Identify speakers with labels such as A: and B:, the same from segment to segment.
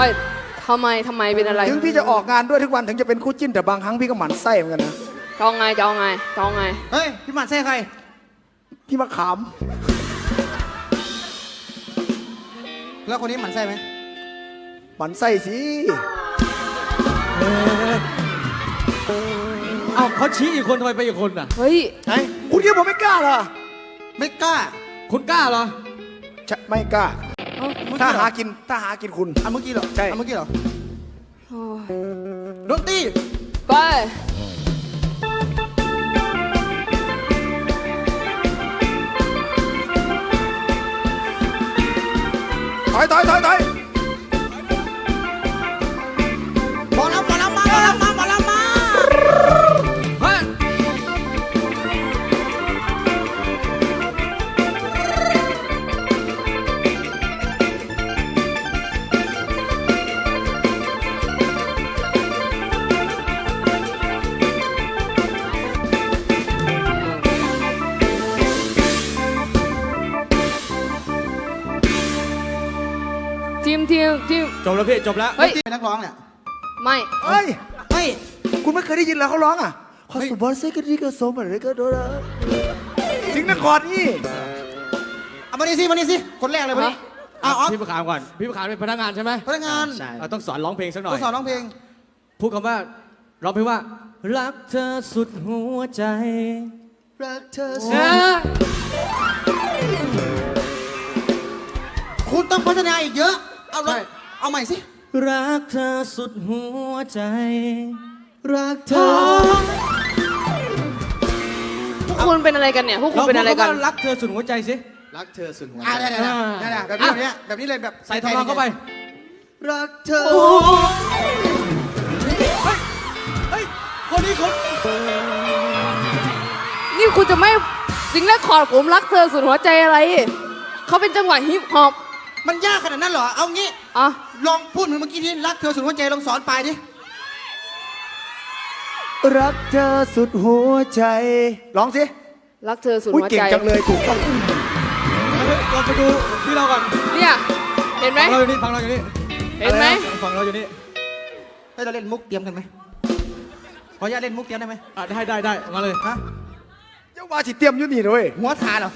A: ทำไมเป็นอะไร
B: ถึงพี่จะออกงานด้วยทุกวันถึงจะเป็นคู่จิ้นแต่บางครั้งพี่ก็หมั่นไส้เหมือนกันนะ
A: จะเอาไง
C: เฮ้ยพี่หมันไส้ใคร
B: พี่มะขาม
C: แล้วคนนี้หมันไส้ไหม
B: หมั่นไส้สิ
D: เอาเขาชี้อีกคนทำไมไปอีกคนอ่ะ
A: เฮ้ย
B: คุณคิดผมไม่กล้าเหรอ
C: ไม่กล้า
D: คุณกล้าเหรอ
B: ไม่กล้าถ้าหากินคุณ
C: เมื่อกี้เหรอ
B: ใช่
C: เมื่อกี้เหรอดนตรี
A: ไป
B: ถอย
C: หมอลำมา
D: เฮ้ย
A: ทีม
D: จบแล้วพี่จบแล้ว
A: เฮ้ย
C: เป็นนักร้องเนี่ย
A: ไม่
B: เฮ้ยคุณไม่เคยได้ยินเหรอเขาร้องอ่ะขอสุบอลเซกันดีก็สมอะไรก็โดนจริงนะก่อนนี่
C: เอามานี่สิคนแรกเลยวันนี้
D: พี่ประคามก่อนพี่ประคามเป็นพนักงานใช่ไหม
C: พนักงาน
D: เราต้องสอนร้องเพลงสักหน่อย
C: ต้องสอนร้องเพลง
D: พูดคำว่าร้องเพลงว่ารักเธอสุดหัวใจ
C: รักเธอสุดคุณต้องพัฒนาอีกเยอะเอาใหม่สิ
D: รักเธอสุดหัวใจ
C: รักเธอ
A: พวกคุณเป็นอะไรกันเนี่ยพวกคุณเป็นอะไรกัน
D: รักเธอสุดหัวใจสิ
C: รักเธอสุดหัวใจได้แบบนี้เลยแบบ
D: ใส่ทองเข้าไป
C: รักเธอ
D: เฮ้ยคนนี้
A: นี่คุณจะไม่สิงและคอร์ดผมรักเธอสุดหัวใจอะไรเขาเป็นจังหวะฮิปฮอป
C: มันยากขนาดนั้นเหรอเอางี้ลองพูดเหมือนเมื่อกี้นี้รักเธอสุดหัวใจลองสอนไปดิ
B: รักเธอสุดหัวใจร้องสิ
A: รักเธอสุดหัวใจ
B: เก่งจังเลยถูกต้อง
D: เราไปดูที่เราก่อน
A: เนี่ยเห็นไหม
D: ฟังเราอยู่นี่
A: เห็นไหม
D: ฟังเราอยู่นี่
C: ให้เราเล่นมุกเตรียมกันไหมขออนุญาตเล่นมุกเตรียมได้ไหม
D: ได้มาเลย
B: ฮะเจ้าว่าจิเตรียมอยู่นี่เลย
C: หัวทาเหรอ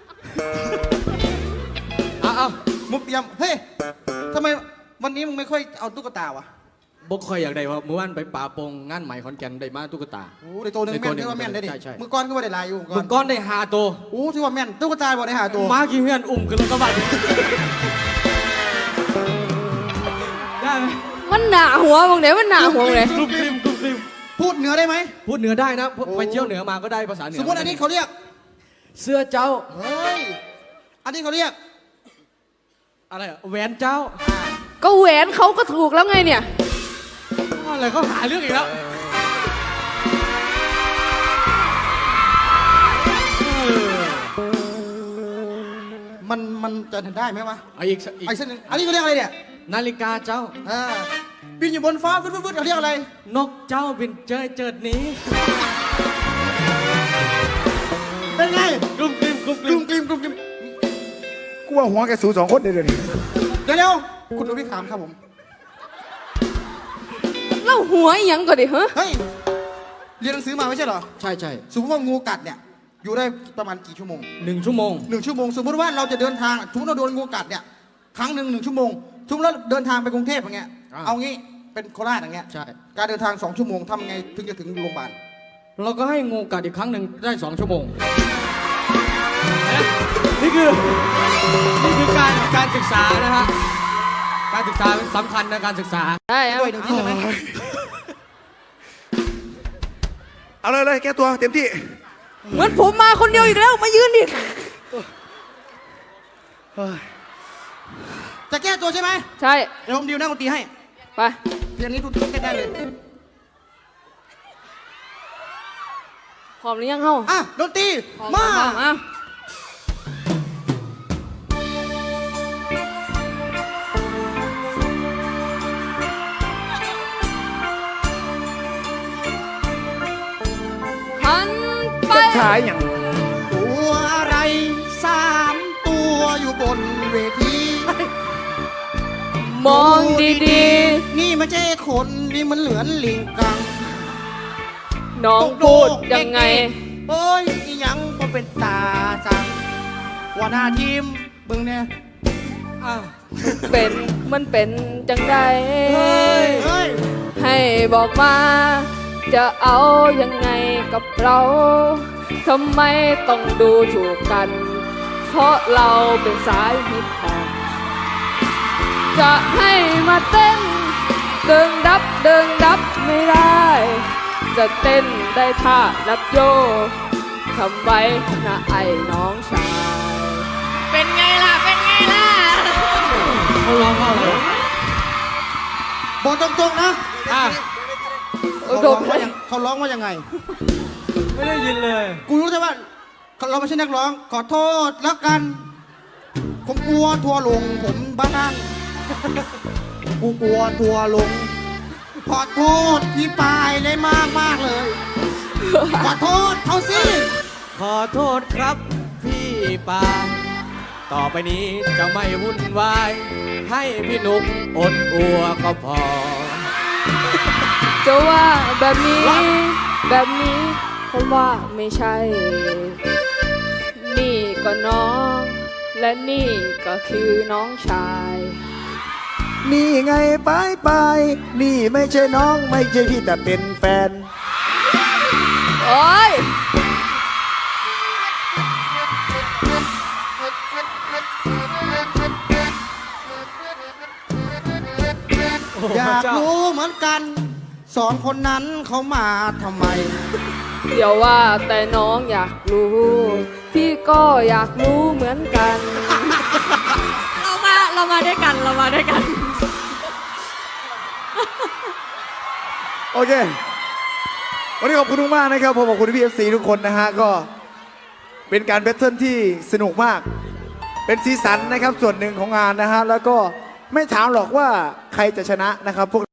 D: เอา
C: มุกเตรียมเฮ้ยทำไมวันนี้มึงไม่ค่อยเอาตุ๊กตาวะ
D: บกคอยอยากได้ว่าเมื่อวานไปป่าปงงานใหม่ขอนแก่นได้มาตุ๊กตา
C: โอ้ได้ตัวหนึ่งแม่นได้ว่าแม่นได้ดิมือก้อนก็ว่าได้ลายอยู่
D: มือก้อนได้5 ตัว
C: โอ้ที่ว่าแม่นตุ๊กตาบอกได้5 ตัว
D: มากี่เพื่อนอุ้มกันแล้วก็บัดได้ไหม
A: มันหนาหัวมึงไหนมันหนาหัวเลย
D: กลุ่มซิม
C: พูดเหนือได้ไหม
D: พูดเหนือได้นะไปเที่ยวเหนือมาก็ได้ภาษาเหนือ
C: สมมติอันนี้เขาเรียก
D: เสื้อเจ้า
C: เฮ้ยอันนี้เขาเรียก
D: อะไรแหวนเจ้า
A: ก็แหวนเขาก็ถูกแล้วไงเนี่ย
D: อะไรเขาหาเรื่องอีกแล้ว
C: มันจะได้ไหมวะ
D: อีก
C: เส้นนึงอันนี้เขาเรียกอะไรเนี่ย
D: นาฬิกาเจ้า
C: บินอยู่บนฟ้าฟึดเขาเรียกอะไร
D: นกเจ้าบินเจิดนี้
C: เป็นไง
D: กลุ่มกลิม
B: กูว่าหัวแกสู2 คนเดี๋ยวนี้
C: เดี๋ยวคุณดูพี่ขามครับผม
A: เล่าหัวยังก่อนดิเ
C: ฮ้ยเรียนหนังสือมาไม่ใช่เหรอ
D: ใช่
C: สมมติว่างูกัดเนี่ยอยู่ได้ประมาณกี่ชั่วโมง
D: 1 ชั่วโมง
C: สมมติว่าเราจะเดินทางสมมติเราโดนงูกัดเนี่ยครั้งหนึ่ง1 ชั่วโมงสมมติเราเดินทางไปกรุงเทพอย่างเงี้ยเอางี้เป็นโคราชอย่างเงี้ย
D: ใช่
C: การเดินทาง2 ชั่วโมงทำไงถึงจะถึงโรงพยาบาล
D: เราก็ให้งูกัดอีกครั้งหนึ่งได้2 ชั่วโมงนี่คือการศึกษานะฮะการศึกษาสำคัญนะการศึกษา
A: ได้
C: ด้วย1 ที่ใช่ไหม
B: เอาเลยแก้ตัวเต็มที่
A: เหมือนผมมาคนเดียวอีกแล้วมายืนดิ
C: จะแก้ตัวใช่ไหม
A: ใช่
C: เดี๋ยวผมดิวนั่งดนตรีให้
A: ไป
C: เพลงนี้ทุกแก้ได้เลย
A: พร้อมหรือยังเฮ้า
C: ดนตรีมา
B: ชายอย่าง
C: ตัวอะไร3 ตัวอยู่บนเวที
A: มมองดี
C: นี่ไม่ใช่คนนี่มันเหลือนลิงกัง
A: ๆ น้องพูดยังไง
C: โอ้ยอีหยังบ่เป็นตาสั่งหัวหน้าทีมเบิ่งเนี่ย
D: อ่ะ
A: มันเป็นจังใด
C: เฮ้ย
A: ให้บอกมา จะเอายังไงกับเรา ทำไมต้องดูถูกกัน เพราะเราเป็นสายฮิปฮอปจะให้มาเต้นเดิงดับไม่ได้ จะเต้นได้ท่านับโยทำไว้นะไอ้น้องชาย เป็นไงล่ะ
D: เขาร้องเข้าเลย
C: บอกตรงๆนะ
D: อ่ะ
C: เขาร้องว่ายังเขาร้องว่ายังไง
D: ไม่ได้ยินเลย
C: กูรู้แต่ว่าเราไม่ใช่นักร้อง ขอโทษแล้วกัน ผมกลัวทัวร์ลงผมบ้านกูกลัวทัวร์ลง ขอโทษพี่ปายเลยมากเลย ขอโทษเขาสิ
D: ขอโทษครับพี่ปาต่อไปนี้จะไม่วุ่นวาย ให้พี่นุกอดอัวก็พอ
A: จะว่าแบบนี้ผมว่าไม่ใช่ นี่ก็น้อง และนี่ก็คือน้องชาย
B: นี่ไงไปนี่ไม่ใช่น้องไม่ใช่พี่แต่เป็นแฟน
A: โอ้ย
C: อยากรู้เหมือนกัน สองคนนั้นเขามาทำไม
A: เดี๋ยวว่าแต่น้องอยากรู้ พี่ก็อยากรู้เหมือนกัน
E: เรามาด้วยกัน
B: โอเค วันนี้ขอบคุณมากๆนะครับผมขอบคุณพี่FCทุกคนนะฮะก็เป็นการแบทเทิลที่สนุกมาก เป็นสีสันนะครับส่วนหนึ่งของงานนะฮะแล้วก็ไม่ถามหรอกว่าใครจะชนะนะครับพวก